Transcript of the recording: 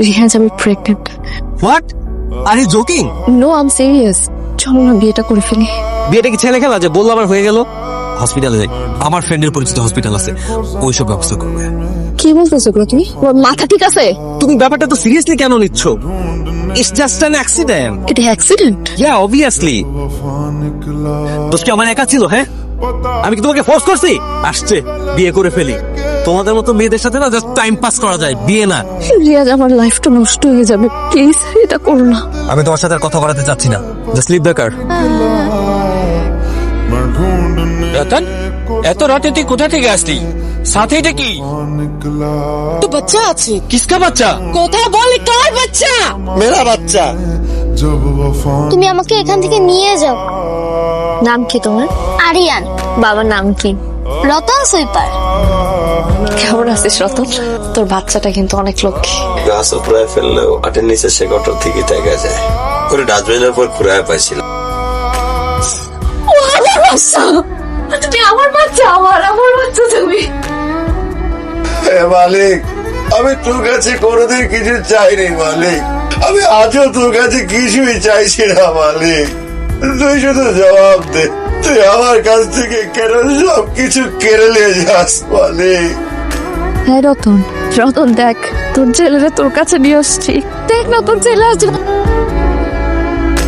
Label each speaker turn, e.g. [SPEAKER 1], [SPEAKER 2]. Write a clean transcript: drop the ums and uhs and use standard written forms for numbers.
[SPEAKER 1] রিহাজ, আমি pregnant.
[SPEAKER 2] What? Are you joking?
[SPEAKER 1] No, I am serious. চলো না বিয়েটা করে ফেলি।
[SPEAKER 2] বিয়েটা কি ছেলে খেলা যে বললো আমার হয়ে গেল? হসপিটালে যাই, আমার ফ্রেন্ডের পরিচিত হসপিটাল আছে, ওইসব ব্যবস্থা করবে।
[SPEAKER 1] কি বলতেছো এগুলো তুমি? তোমার মাথা ঠিক আছে?
[SPEAKER 2] তুমি ব্যাপারটা তো সিরিয়াসলি কেন নিচ্ছ? It's just an accident.
[SPEAKER 1] এটা অ্যাক্সিডেন্ট?
[SPEAKER 2] Yeah obviously. দোষ কি আমার একা ছিল? হ্যাঁ, আমি কি তোমাকে ফোর্স করছি? আসছে বিয়ে করে ফেলি। তোমাদের মতো মেয়েদের সাথে না জাস্ট টাইম পাস করা যায়, বিয়ে না।
[SPEAKER 1] রিয়াজ, আমার লাইফটা নষ্ট হয়ে যাবে, প্লিজ এটা করো না।
[SPEAKER 2] আমি তোমার সাথে আর কথা বলাতে চাচ্ছি না, just leave the car.
[SPEAKER 3] Ratan, এত রাতে তুই কোথা থেকে আসলি? সাথে এটা কি?
[SPEAKER 4] তো বাচ্চা আছে।
[SPEAKER 3] কিসকা বাচ্চা?
[SPEAKER 4] কথা বল, কার বাচ্চা?
[SPEAKER 3] মেরা বাচ্চা।
[SPEAKER 5] তুমি আমাকে এখান থেকে নিয়ে যাও।
[SPEAKER 1] নাম কি তোমার?
[SPEAKER 5] আরিয়ান।
[SPEAKER 1] বাবার নাম কি?
[SPEAKER 5] রতন সুইপার।
[SPEAKER 1] কেমন আছিস রতন? তোর বাচ্চাটা কিন্তু অনেক লক্ষ্মী।
[SPEAKER 6] গাছ উপড়ায় ফেললেও আটের নিচে সে গটর থেকে দেখা যায়। ওরে ডাস্টবিনের উপর ঘুরায় পাইছিল।
[SPEAKER 1] তুমি আমার বাচ্চা, আমার বাচ্চা তুমি।
[SPEAKER 6] মালিক, আমি তোর কাছে কোনোদিন কিছু চাইনি মালিক, আমি আজও তোর কাছে কিছুই চাইছি না মালিক। তুই শুধু জবাব দে, তুই আমার কাছ থেকে কেন সব কিছু কেড়ে নিয়ে যাস মালিক?
[SPEAKER 1] হ্যাঁ রতন, রতন দেখ, তোর ছেলেরা তোর কাছে নিয়ে আসছি। দেখ না, তোর ছেলে আসছে।